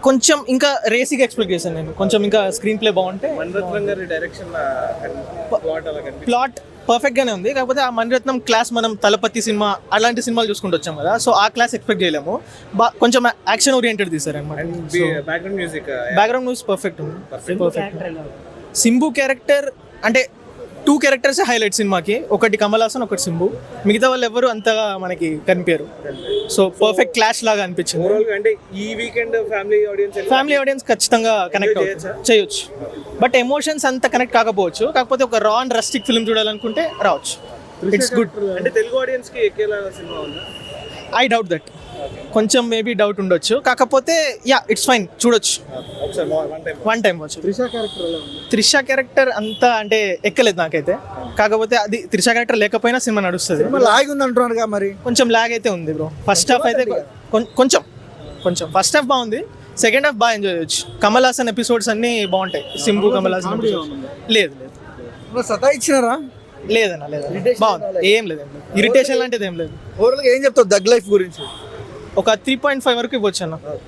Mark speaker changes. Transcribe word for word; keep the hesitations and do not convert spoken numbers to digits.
Speaker 1: కొంచెం ఇంకా రేసిగా ఎక్స్పెక్ట్ చేశాను నేను, కొంచెం ఇంకా స్క్రీన్ ప్లే బాగుంటే.
Speaker 2: మణిరత్నం గారి డైరెక్షన్ ప్లాట్ అలా కనిపిస్తుంది.
Speaker 1: ప్లాట్ పర్ఫెక్ట్ గానే ఉంది, కాకపోతే ఆ మణిరత్నం క్లాస్ మనం తలపతి సినిమా అలాంటి సినిమాలు చూసుకుంటూ వచ్చాం కదా, సో ఆ క్లాస్ ఎక్స్పెక్ట్ చేయలేము. బా కొంచెం యాక్షన్ ఓరియంటెడ్ తీసారు అనమాట.
Speaker 2: Background music
Speaker 1: background music perfect ఉంది. పర్ఫెక్ట్. సింబు క్యారెక్టర్ అంటే టూ క్యారెక్టర్స్ హైలైట్ సినిమాకి, ఒకటి కమల్ హాసన్, ఒకటి సింబు. మిగతా వాళ్ళు ఎవరు అంతగా మనకి కనిపించారు. సో పర్ఫెక్ట్ క్లాష్ లాగా అనిపించింది.
Speaker 2: ఓవరాల్ అంటే ఈ weekend family audience
Speaker 1: family audience ఖచ్చితంగా కనెక్ట్ చేయొచ్చు, బట్ ఎమోషన్స్ అంత కనెక్ట్ కాకపోవచ్చు. కాకపోతే ఒక రా అండ్ రస్టిక్ ఫిల్మ్ చూడాలనుకుంటే రావచ్చు. It's good.
Speaker 2: అంటే తెలుగు ఆడియన్స్ కి ఎక్కేలా సినిమా ఉందా?
Speaker 1: ఐ డౌట్ దట్, కొంచెం మేబీ డౌట్ ఉండొచ్చు. కాకపోతే యా ఇట్స్ ఫైన్, చూడొచ్చు. వన్ టైం వచ్చు.
Speaker 2: త్రిష క్యారెక్టర్ ఎలా ఉంది?
Speaker 1: త్రిష క్యారెక్టర్ అంతా అంటే ఎక్కలేదు నాకైతే. కాకపోతే అది త్రిష క్యారెక్టర్ లేకపోయినా సినిమా నడుస్తుంది.
Speaker 3: లాగ్ ఉంది అంటున్నారు మరి,
Speaker 1: కొంచెం లాగ్ అయితే ఉంది బ్రో. ఫస్ట్ హాఫ్ అయితే కొం- కొంచెం కొంచెం ఫస్ట్ హాఫ్ బాగుంది, సెకండ్ హాఫ్ బాగా ఎంజాయ్ చేయొచ్చు. కమల్ హాసన్ ఎపిసోడ్స్ అన్ని బాగుంటాయి. సింబు కమల్ హాసన్ episodes. లేదు లేదు
Speaker 3: సతా ఇచ్చినారా?
Speaker 1: లేదన్న లేదన్న బాగుంది, ఏం లేదు ఇరిటేషన్ లాంటిది ఏం లేదు.
Speaker 3: ఓవరాల్ గా ఏం చెప్తావు దగ్ లైఫ్ గురించి?
Speaker 1: ఒక త్రీ పాయింట్ ఫైవ్ వరకు ఇవ్వచ్చు అన్న.